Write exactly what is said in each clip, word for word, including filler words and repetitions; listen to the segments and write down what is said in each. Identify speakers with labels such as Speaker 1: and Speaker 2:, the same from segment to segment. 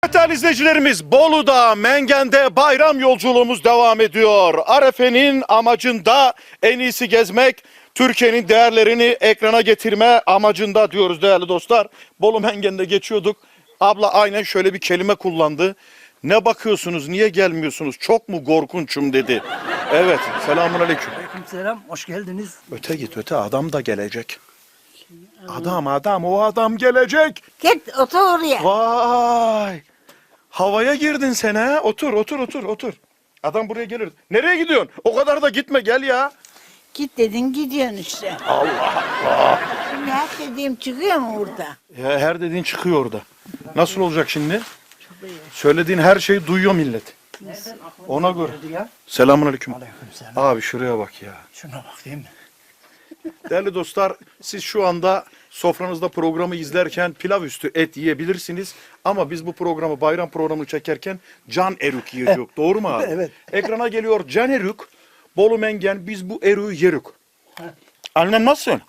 Speaker 1: Değerli izleyicilerimiz, Bolu'da, Mengen'de bayram yolculuğumuz devam ediyor. Arefe'nin amacında en iyisi gezmek, Türkiye'nin değerlerini ekrana getirme amacında diyoruz değerli dostlar. Bolu Mengen'de geçiyorduk. Abla aynen şöyle bir kelime kullandı. Ne bakıyorsunuz, niye gelmiyorsunuz, çok mu korkunçum dedi. Evet, selamünaleyküm.
Speaker 2: Aleykümselam, hoş geldiniz.
Speaker 1: Öte git öte, adam da gelecek. Adam adam, o adam gelecek.
Speaker 3: Git otur oraya.
Speaker 1: Vay! Havaya girdin sen ha. Otur, otur, otur, otur. Adam buraya gelir. Nereye gidiyorsun? O kadar da gitme, gel ya.
Speaker 3: Git dedin gidiyorsun işte.
Speaker 1: Allah Allah.
Speaker 3: Şimdi her dediğim çıkıyor mu burada?
Speaker 1: Ya her dediğin çıkıyor orada. Nasıl olacak şimdi?
Speaker 3: Çok iyi.
Speaker 1: Söylediğin her şeyi duyuyor millet. Ona göre.
Speaker 2: Ya.
Speaker 1: Selamünaleyküm.
Speaker 2: Aleykümselam.
Speaker 1: Abi şuraya bak ya.
Speaker 2: Şuna bak değil mi?
Speaker 1: Değerli dostlar, siz şu anda sofranızda programı izlerken pilav üstü et yiyebilirsiniz. Ama biz bu programı, bayram programını çekerken can erük yiyeceğiz. Doğru mu abi?
Speaker 2: Evet.
Speaker 1: Ekrana geliyor can erük, Bolu Mengen, biz bu erüğü yerük. Annen nasılsın?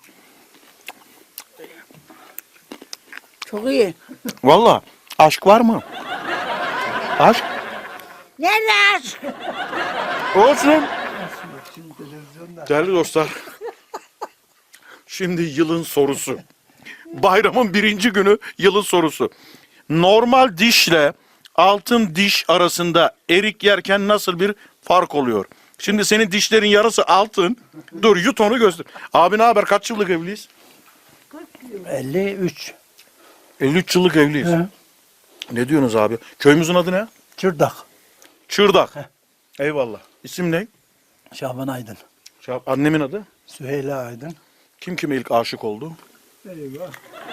Speaker 3: Çok iyi.
Speaker 1: Valla aşk var mı? Aşk?
Speaker 3: Nerede aşk?
Speaker 1: Olsun. Değerli dostlar, şimdi yılın sorusu. Bayramın birinci günü yılın sorusu. Normal dişle altın diş arasında erik yerken nasıl bir fark oluyor? Şimdi senin dişlerin yarısı altın. Dur yut onu göster. Abi ne haber? Kaç yıllık evliyiz?
Speaker 2: elli üç.
Speaker 1: elli üç yıllık evliyiz.
Speaker 2: Hı.
Speaker 1: Ne diyorsunuz abi? Köyümüzün adı ne?
Speaker 2: Çırdak.
Speaker 1: Çırdak. Eyvallah. İsim ne?
Speaker 2: Şaban Aydın.
Speaker 1: Şah- Annemin adı?
Speaker 2: Süheyla Aydın.
Speaker 1: Kim kime ilk aşık oldu?
Speaker 2: Eyvah.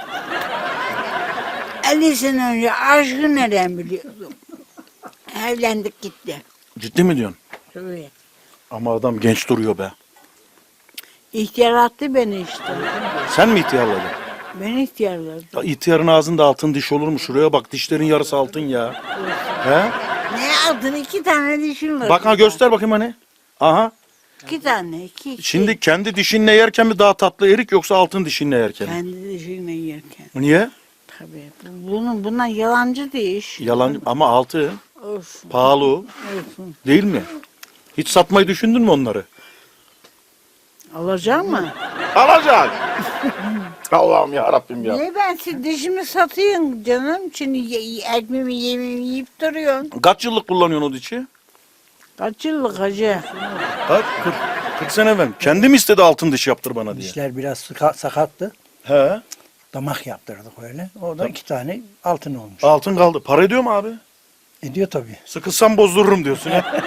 Speaker 3: elli sene önce aşkı nereden biliyordum? Evlendik gitti.
Speaker 1: Ciddi mi diyorsun?
Speaker 3: Çok iyi.
Speaker 1: Ama adam genç duruyor be.
Speaker 3: İhtiyar attı beni işte.
Speaker 1: Sen mi ihtiyarladın?
Speaker 3: Ben ihtiyarladım.
Speaker 1: Ya İhtiyarın ağzında altın diş olur mu? Şuraya bak, dişlerin yarısı altın ya. He?
Speaker 3: Ne aldın? İki tane dişim var.
Speaker 1: Bak ha, göster bakayım hani. Aha.
Speaker 3: İki tane. Iki, iki.
Speaker 1: Şimdi kendi dişinle yerken mi daha tatlı erik, yoksa altın dişinle yerken mi?
Speaker 3: Kendi dişimle yerken.
Speaker 1: Niye?
Speaker 3: Tabii. Bu- Bunun, bundan yalancı diş.
Speaker 1: Yalan ama altın.
Speaker 3: Olsun.
Speaker 1: Pahalı o.
Speaker 3: Olsun.
Speaker 1: Değil mi? Hiç satmayı düşündün mü onları?
Speaker 3: Alacak mı?
Speaker 1: Alacak. Allah'ım ya Rabbim ya.
Speaker 3: Niye ben siz dişimi satayım canım? Şimdi ye- ekmeğimi yemeğimi yiyip duruyorsun.
Speaker 1: Kaç yıllık kullanıyorsun o dişi?
Speaker 3: Kaç yıllık hacı?
Speaker 1: Kaç? kırk, kırk sene evvel. Kendim istedi altın diş yaptır bana diye.
Speaker 2: Dişler biraz sıka- sakattı.
Speaker 1: He.
Speaker 2: Damak yaptırdık öyle. O da iki tane altın olmuş.
Speaker 1: Altın kaldı. Para ediyor mu abi?
Speaker 2: Ediyor tabii.
Speaker 1: Sıkılsam bozdururum diyorsun ha.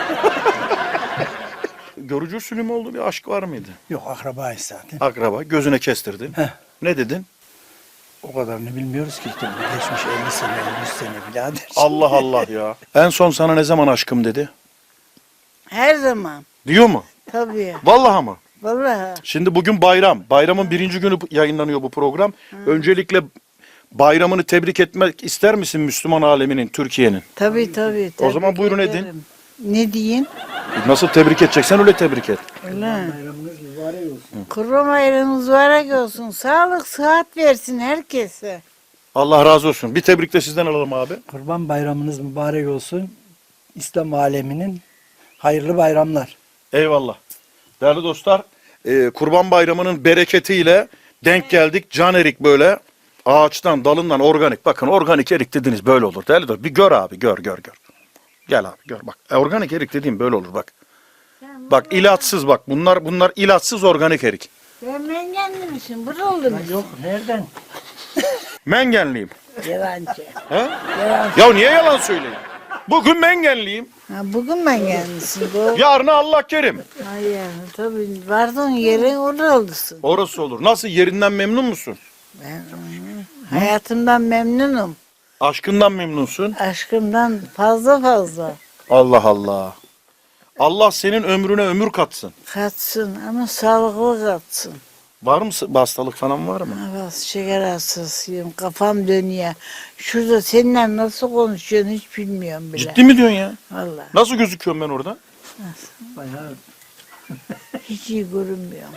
Speaker 1: Görücü usulü mü oldu, bir aşk var mıydı?
Speaker 2: Yok akrabayız zaten.
Speaker 1: Akraba, gözüne kestirdin.
Speaker 2: Heh.
Speaker 1: Ne dedin?
Speaker 2: O kadarını bilmiyoruz ki. Tabii. Geçmiş elli sene, yüz sene birader.
Speaker 1: Allah Allah ya. En son sana ne zaman aşkım dedi?
Speaker 3: Her zaman.
Speaker 1: Diyor mu?
Speaker 3: Tabii.
Speaker 1: Vallahi mı?
Speaker 3: Vallahi.
Speaker 1: Şimdi bugün bayram. Bayramın birinci günü yayınlanıyor bu program. Öncelikle bayramını tebrik etmek ister misin Müslüman aleminin, Türkiye'nin?
Speaker 3: Tabii tabii.
Speaker 1: O zaman
Speaker 3: tebrik
Speaker 1: buyurun
Speaker 3: ederim.
Speaker 1: edin.
Speaker 3: Ne diyeyim?
Speaker 1: Nasıl tebrik edeceksen öyle tebrik et.
Speaker 3: Öyle.
Speaker 2: Bayramınız mübarek olsun.
Speaker 3: Kurban bayramınız mübarek olsun. Sağlık, sıhhat versin herkese.
Speaker 1: Allah razı olsun. Bir tebrik de sizden alalım abi.
Speaker 2: Kurban bayramınız mübarek olsun. İslam aleminin hayırlı bayramlar.
Speaker 1: Eyvallah. Değerli dostlar, e, Kurban Bayramı'nın bereketiyle denk geldik. Can erik böyle ağaçtan, dalından organik. Bakın organik erik dediniz böyle olur. Değerli dostlar, bir gör abi, gör, gör, gör. Gel abi, gör bak. E, organik erik dediğim böyle olur bak. Bak ilaçsız bak. Bunlar bunlar ilaçsız organik erik.
Speaker 3: Ben mengenli misin? Buralı mısın?
Speaker 2: Yok nereden?
Speaker 1: Mengenliyim.
Speaker 3: Yalancı.
Speaker 1: He?
Speaker 3: Yalancı.
Speaker 1: Ya niye yalan söyleyeyim? Bugün mengenliyim.
Speaker 3: Ha, bugün mengenlisin. Doğru.
Speaker 1: Yarına Allah kerim.
Speaker 3: Hayır. Tabii. Vardın yerin oralısın.
Speaker 1: Orası olur. Nasıl, yerinden memnun musun?
Speaker 3: Ben hayatımdan memnunum.
Speaker 1: Aşkından memnunsun.
Speaker 3: Aşkımdan fazla fazla.
Speaker 1: Allah Allah. Allah senin ömrüne ömür katsın.
Speaker 3: Katsın ama sağlıklı katsın.
Speaker 1: Var mı bir hastalık falan var mı?
Speaker 3: Evet, şeker hastasıyım. Kafam dönüyor. Şurada seninle nasıl konuşuyorsun hiç bilmiyorum bile.
Speaker 1: Ciddi mi diyorsun ya?
Speaker 3: Vallahi
Speaker 1: Nasıl gözüküyorum ben orada?
Speaker 2: Bayağı
Speaker 3: hiç iyi görünmüyorum.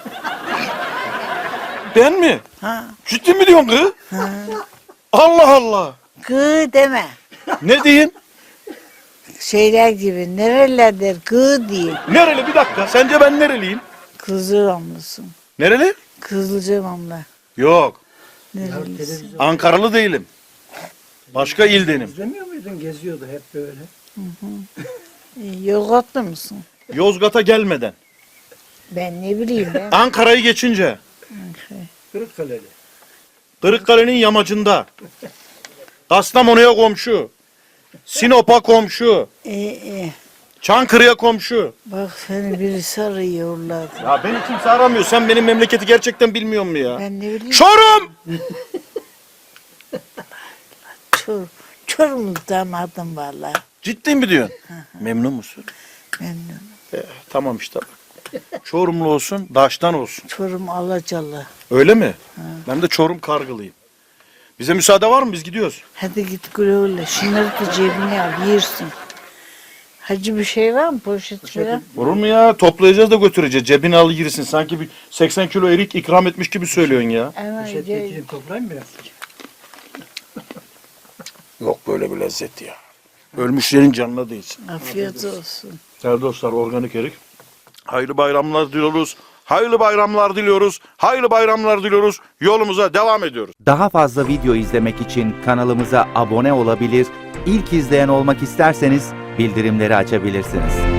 Speaker 1: Ben mi?
Speaker 3: Ha,
Speaker 1: Ciddi mi diyorsun kız?
Speaker 3: ha.
Speaker 1: Allah Allah.
Speaker 3: Gı deme.
Speaker 1: Ne diyeyim?
Speaker 3: Şeyler gibi nerelerdir gı diye.
Speaker 1: Nereli bir dakika. Sence ben nereliyim?
Speaker 3: Kızılcamlısın.
Speaker 1: Nereli?
Speaker 3: Kızılcamamla.
Speaker 1: Yok.
Speaker 3: Nerelisin?
Speaker 2: Televizyon
Speaker 1: Ankaralı değilim. Başka ildenim.
Speaker 2: izlemiyor muydun? Geziyordu hep böyle.
Speaker 3: E, Yozgatlı mısın?
Speaker 1: Yozgat'a gelmeden.
Speaker 3: Ben ne bileyim ben.
Speaker 1: Ankara'yı geçince.
Speaker 2: Kırıkkaleli.
Speaker 1: Kırıkkale'nin yamacında. Kastamonu'ya komşu. Sinop'a komşu.
Speaker 3: E, e,
Speaker 1: Çankırı'ya komşu.
Speaker 3: bak seni birisi arıyorlar.
Speaker 1: Ya beni kimse aramıyor. Sen benim memleketi gerçekten bilmiyor musun ya?
Speaker 3: Ben ne bileyim.
Speaker 1: Çorum!
Speaker 3: Çor, Çorum'dan adım valla.
Speaker 1: Ciddi mi diyorsun? Memnun musun?
Speaker 3: Memnunum.
Speaker 1: Eh, tamam işte bak. Çorumlu olsun, Daş'tan olsun.
Speaker 3: Çorum Alacalı.
Speaker 1: Öyle mi? Ben de Çorum Kargılıyım. Bize müsaade var mı? Biz gidiyoruz.
Speaker 3: Hadi git güle güle. Şunları da cebine al yersin. Hacı bir şey var mı poşet falan?
Speaker 1: Olur mu ya? Toplayacağız da götüreceğiz. Cebine al girsin. Sanki bir seksen kilo erik ikram etmiş gibi söylüyorsun ya.
Speaker 3: Ama
Speaker 2: Poşet
Speaker 3: ce-
Speaker 2: getireyim toplayayım biraz.
Speaker 1: Yok böyle bir lezzet ya. Ölmüşlerin canına değsin.
Speaker 3: afiyet olsun.
Speaker 1: Değerli dostlar, organik erik. Hayırlı bayramlar diliyoruz. Hayırlı bayramlar diliyoruz. Hayırlı bayramlar diliyoruz. Yolumuza devam ediyoruz.
Speaker 4: Daha fazla video izlemek için kanalımıza abone olabilir, ilk izleyen olmak isterseniz bildirimleri açabilirsiniz.